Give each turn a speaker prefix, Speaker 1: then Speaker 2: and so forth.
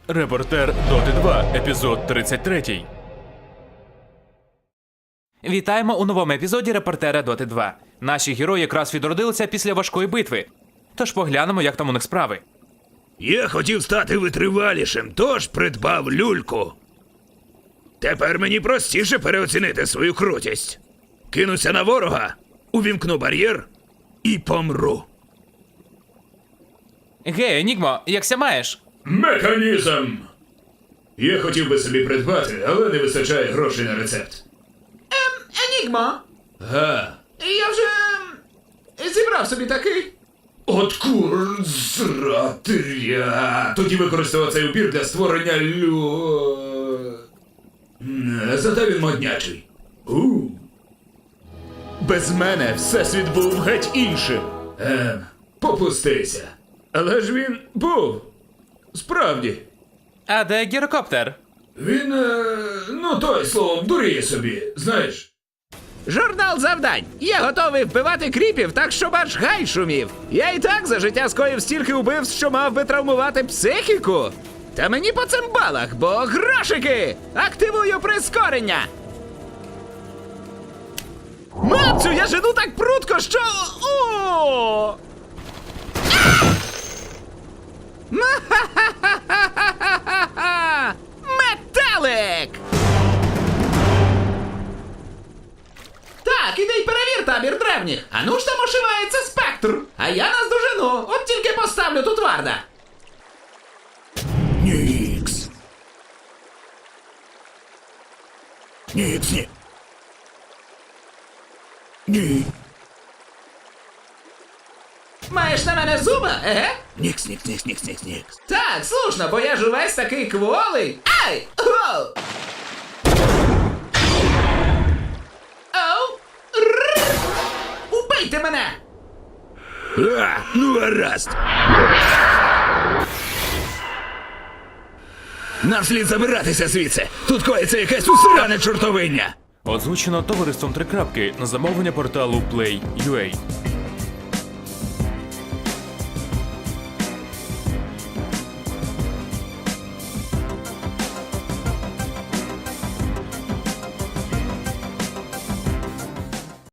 Speaker 1: Репортер Доти 2, епізод 33.
Speaker 2: Вітаємо у новому епізоді Репортера Доти 2. Наші герої якраз відродилися після важкої битви. Тож поглянемо, як там у них справи.
Speaker 3: Я хотів стати витривалішим, тож придбав люльку. Тепер мені простіше переоцінити свою крутість. Кинуся на ворога, увімкну бар'єр і помру.
Speaker 2: Гей, Енігмо, якся маєш?
Speaker 3: Механізм! Я хотів би собі придбати, але не вистачає грошей на рецепт.
Speaker 4: Енігмо,
Speaker 3: Га.
Speaker 4: я вже зібрав собі такий.
Speaker 3: От курзратря. Тоді використав цей упір для створення Зате він моднячий.
Speaker 1: Без мене всесвіт був геть іншим.
Speaker 3: Попустися. Але ж він був. Справді.
Speaker 2: А де гірокоптер?
Speaker 3: Він, той, словом, дуріє собі, знаєш.
Speaker 4: Журнал завдань. Я готовий вбивати кріпів так, щоб аж гай шумів. Я і так за життя скоїв стільки убивств, що мав би травмувати психіку. Та мені по цимбалах, бо грошики! Активую прискорення! Мамцю, я жену так прудко, що... О! Ма-ха-ха-ха-ха-ха-ха! Метелик! Так, іди й перевір табір древніх. А ну ж там ошивається спектр. А я наздожену, от тільки поставлю тут варда.
Speaker 3: Нікс. Нікс, ні. Ні.
Speaker 4: Маєш на мене зуба, еге?
Speaker 3: Нікс, нікс, нікс, нікс, нікс, нікс.
Speaker 4: Так, слушно, бо я ж увесь такий кволий. Ай! Оу! Оу! Рррр! Убийте мене!
Speaker 3: Ну гаразд. Нам слід забиратися звідси. Тут коїться якесь усране чортовиння.
Speaker 1: Озвучено товариством Три Крапки на замовлення порталу Play.ua.